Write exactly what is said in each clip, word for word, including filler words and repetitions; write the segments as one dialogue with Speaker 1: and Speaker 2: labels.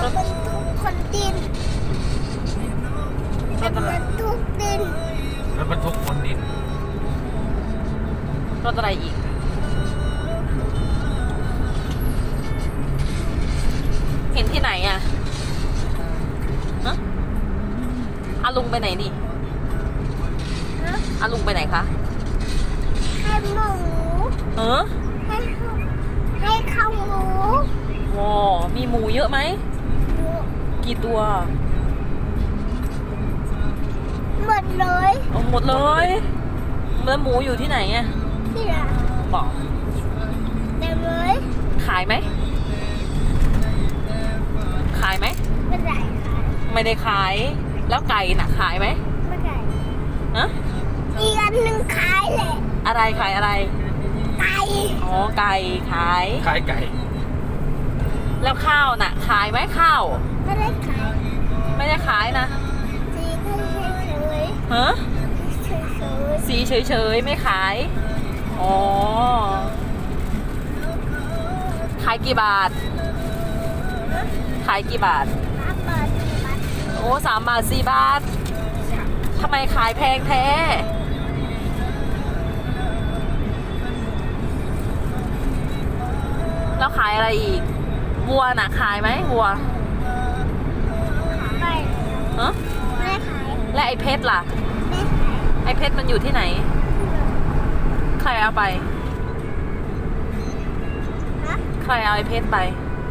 Speaker 1: ถบรรทุกคนดินรถบรรทุกดิน
Speaker 2: รถบรรทุกคนดิน
Speaker 3: รถอะไรอีกเห็นที่ไหนอ่ะฮะอาลุงไปไหนนี่
Speaker 1: ฮะ
Speaker 3: อาลุงไปไหนคะ
Speaker 1: ให้หมู
Speaker 3: เออ
Speaker 1: ให้ข้าวให้ข้าวหมู
Speaker 3: โว้มีหมูเยอะไหมกี่ตัว
Speaker 1: หมดเลย
Speaker 3: เอาหมดเลยแล้วหมูอยู่ที่ไหนอ่ะ
Speaker 1: ที่ละ
Speaker 3: บอก
Speaker 1: เต็มเลย
Speaker 3: ขายไหมขายไหม
Speaker 1: ไม่ได้ค่ะ
Speaker 3: ไม่ได้ขายแล้วไก่น่ะขายไหม
Speaker 1: ไม่ได้
Speaker 3: ฮะ
Speaker 1: อีกอันหนึ่งขายเลย
Speaker 3: อะไรขายอะไร
Speaker 1: ไก่
Speaker 3: อ๋อไก่ขาย
Speaker 2: ขายไก่
Speaker 3: แล้วข้าวน่ะ ขายไหมข้าว
Speaker 1: ไม่ได้ขาย
Speaker 3: ไม่ได้ขายนะ
Speaker 1: สีก็เฉย
Speaker 3: ฮะ
Speaker 1: ๆเฉย
Speaker 3: สีเฉยๆไม่ขายอ๋อขายกี่บาท ขายกี่บาท
Speaker 1: ๆมาเปิดบัตร
Speaker 3: โอ้สามบาทสี่บาททำไมขายแพงแท้แล้วขายอะไรอีกวัวน่ะขายไหมวัว
Speaker 1: ไม่
Speaker 3: ฮะ
Speaker 1: ไม่ได้ขาย
Speaker 3: และไอ้เพชรล่ะ
Speaker 1: ไม่ขาย
Speaker 3: ไอ้เพชรมันอยู่ที่ไหน ใครเอาไป
Speaker 1: ฮะ
Speaker 3: ใครเอาไอ้เพชรไป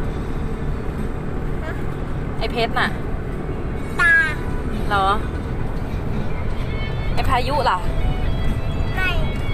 Speaker 1: ฮะ
Speaker 3: ไอ้เพชรน่ะ
Speaker 1: ตา
Speaker 3: เหรอ ไอ้พายุล่ะ
Speaker 1: ไม่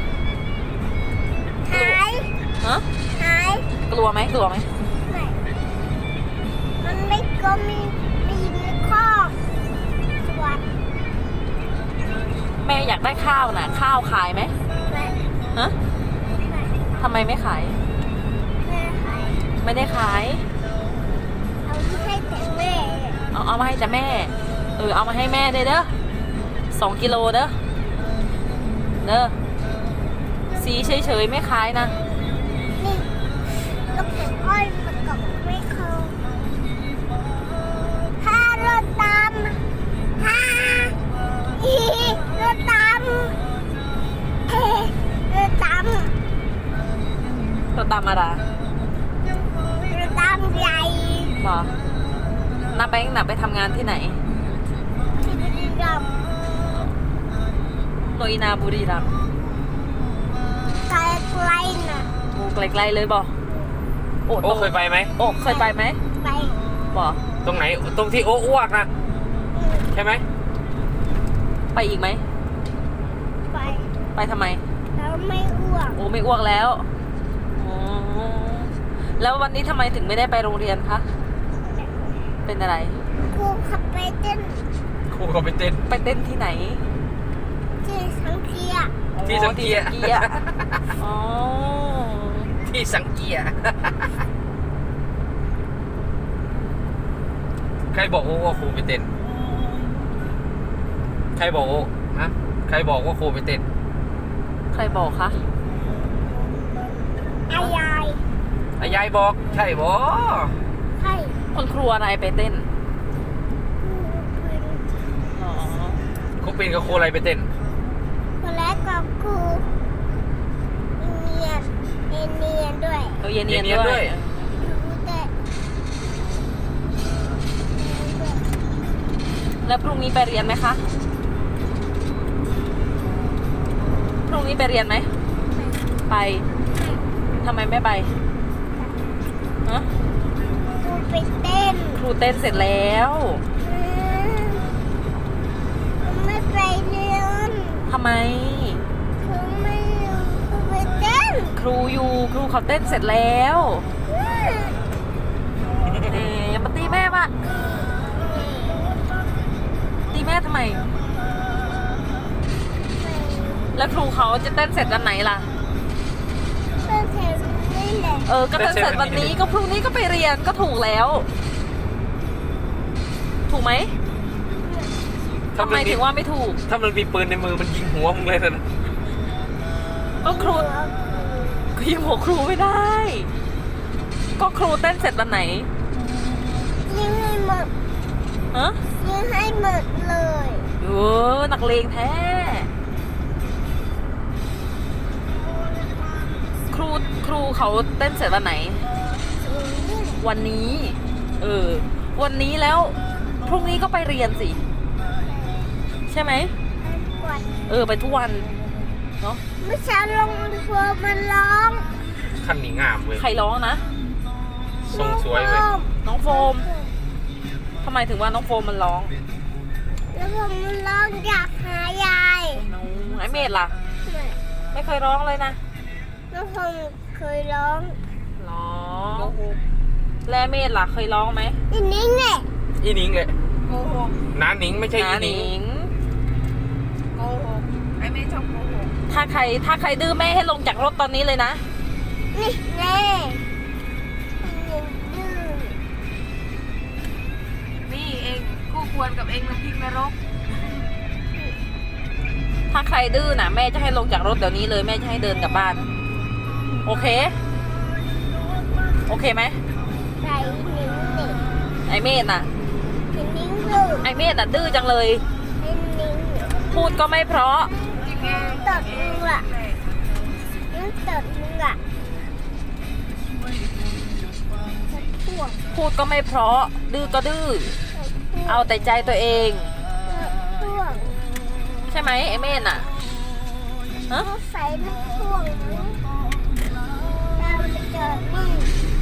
Speaker 1: หาย
Speaker 3: ฮะ
Speaker 1: หาย
Speaker 3: กลัวไหมกลัวไหม
Speaker 1: ไม่มันไม่ก็มีมีในคอกสวัสด
Speaker 3: แม่อยากได้ข้าวน่ะ ข้าวขายไหม
Speaker 1: ไม่
Speaker 3: ฮะ
Speaker 1: ไม่
Speaker 3: ทำไมไม่ขาย
Speaker 1: ไม่ขาย
Speaker 3: ไม่ได้ขาย
Speaker 1: เอาให้แต่แม่
Speaker 3: เอาเอามาให้แต่แม่ เออเอามาให้แม่ได้เด้อสองกิโลเด้อ เด้อ สีเฉยๆไม่ขายนะ
Speaker 1: นี่ลูกเป็นอ้อยมันกับไม่เข้าถ้ารถตามถ้าอีรถตามเฮ้รถตาม
Speaker 3: รถตามอะไร
Speaker 1: รถตามใหญ่
Speaker 3: บอกนับไปนับไปทำงานที่ไหน
Speaker 1: ที่บุรีรัมย์
Speaker 3: โนอินาบุรีรัมย์
Speaker 1: ไกลไกลๆน่ะ
Speaker 3: โอ้ไกลๆเลยบอกโอ้
Speaker 2: โอ้เคยไปไหม
Speaker 3: โอ้เคยไปไหม
Speaker 1: ไป
Speaker 3: บอก
Speaker 2: ตรงไหน ตรงที่โอ้อ้วกนะ
Speaker 1: อืม
Speaker 2: ใช่ไหม
Speaker 3: ไปอีกไหม
Speaker 1: ไป
Speaker 3: ไปทำไม
Speaker 1: แล้วไม่อ้วก
Speaker 3: โอ้ไม่อ้วกแล้วอ๋อแล้ววันนี้ทำไมถึงไม่ได้ไปโรงเรียนคะ เป็นอะไร
Speaker 1: ครูขับไปเต้น
Speaker 2: ครูก็ไปเต้น
Speaker 3: ไปเต้นที่ไหน
Speaker 1: ที่สังเกีย
Speaker 2: ที่สังเกีย
Speaker 3: อ๋อที่สังเกียอ๋อ
Speaker 2: ที่สังเกีย ใครบอกโอ้ว่าครูไปเต้น ใครบอกโอ้ฮะใครบอกว่าครูไปเต้น
Speaker 3: ใครบอกคะ
Speaker 1: อายาย
Speaker 2: อายายบอก ใช่บอ
Speaker 1: ใช่
Speaker 3: คนครัวอะไรไปเต้น
Speaker 1: ครูเป็น
Speaker 3: อ๋อ
Speaker 2: ครูปินกับครูอะไรไปเต้น
Speaker 1: คนแรกกับครูเนียนเนียนเนียนด้วย
Speaker 3: เราเย็น
Speaker 2: เนี
Speaker 3: เย็น
Speaker 2: ยนๆด้
Speaker 3: ด้
Speaker 2: ว
Speaker 3: วย ย
Speaker 1: ครูแต่ด้วย
Speaker 3: แล้วพรุ่งนี้ไปเรียนไหมคะ พรุ่งนี้ไปเรียนไหม ไปทำไมไม่ไปฮะ
Speaker 1: ครูไปเต้น
Speaker 3: ครูเต้นเสร็จแล้ว
Speaker 1: อืมไม่ไปเรียน
Speaker 3: ทำไม
Speaker 1: ครูไม่อยู่ครูไปเต้น
Speaker 3: ครูอยู่ครูเขาเต้นเสร็จแล้ว
Speaker 1: อืม
Speaker 3: เอ๊ะอย่ามาตีแม่ปะตีแม่ทำไม แล้วครูเขาจะเต้นเสร็จวันไหนล่ะ
Speaker 1: เต้นเสร็จนี่แหละ
Speaker 3: เออ ก็เต้นเสร็จวันนี้ก็พรุ่งนี้ก็ไปเรียนก็ถูกแล้ว ถูกไหมทำไมถึงว่าไม่ถูก
Speaker 2: ถ้ามันมีปืนในมือมันยิงหัวมึงเลยนะ
Speaker 3: ก็ครูก็ยิงหัวครูไม่ได้ ก็ครูเต้นเสร็จวันไหน
Speaker 1: ยังไม่หมด
Speaker 3: ฮะ
Speaker 1: ยิงให้หมดเลย
Speaker 3: เออนักเลงแท้ ครูครูเขาเต้นเสร็จวันไหน วันนี้ เออ วันนี้แล้ว พรุ่งนี้ก็ไปเรียนสิ ใช่ไหม
Speaker 1: กวด
Speaker 3: เออ ไปทุกวัน เนาะ
Speaker 1: เมื่อเช้าลงเฟิร์มมันร้อง
Speaker 2: คันนี้งามเว้ย
Speaker 3: ใครร้องนะ
Speaker 2: ทรงสวยเว้ย
Speaker 3: น้องโฟมทำไมถึงว่าน้องโฟมมันร้อง
Speaker 1: แล้วผมมันร้องอยากหายาย
Speaker 3: น้องไอเมดล่ะ ไม่เคยร้องเลยนะ
Speaker 1: แล้วผมเคยร้อง
Speaker 3: ร้องและเมดล่ะเคยร้องไหม
Speaker 1: อีนิ้งเนี่ย
Speaker 2: อีหนิงเลย
Speaker 4: โกหก
Speaker 2: น้าหนิงไม่ใช่อี
Speaker 3: นา
Speaker 2: ห
Speaker 3: ห
Speaker 2: นิ
Speaker 3: นิ
Speaker 2: ง
Speaker 3: ง
Speaker 4: โกหกไอ้แม่ชอบโกหก
Speaker 3: ถ้าใครถ้าใครดื้อแม่ให้ลงจากรถตอนนี้เลยนะ
Speaker 1: นี่แน่ยิงดื้อ
Speaker 4: นี่เองคู่ควรกับเองน้ำพริกนรก
Speaker 3: ถ้าใครดื้อนะแม่จะให้ลงจากรถเดี๋ยวนี้เลยแม่จะให้เดินกลับบ้าน โอเค โอเคไหม
Speaker 1: ใส่นิ้งนี่
Speaker 3: ไอเมดน่ะ
Speaker 1: อีนิ้งดื้อ
Speaker 3: ไอเมดน่ะดื้อจังเลย
Speaker 1: ไอ้นิ้ง
Speaker 3: พูดก็ไม่เพราะ
Speaker 4: จริงไง
Speaker 1: ตดมึงล่ะนั่นตดมึงอ่ะตดพวก
Speaker 3: พูดก็ไม่เพราะ ดื้อก็ดื้อ เอาแต่ใจตัวเอง
Speaker 1: ตดพวก
Speaker 3: ใช่ไหมไอเมดน่ะฮะ
Speaker 1: เขาใส่ลูกพ่วงมั้งเราจะเจอนี่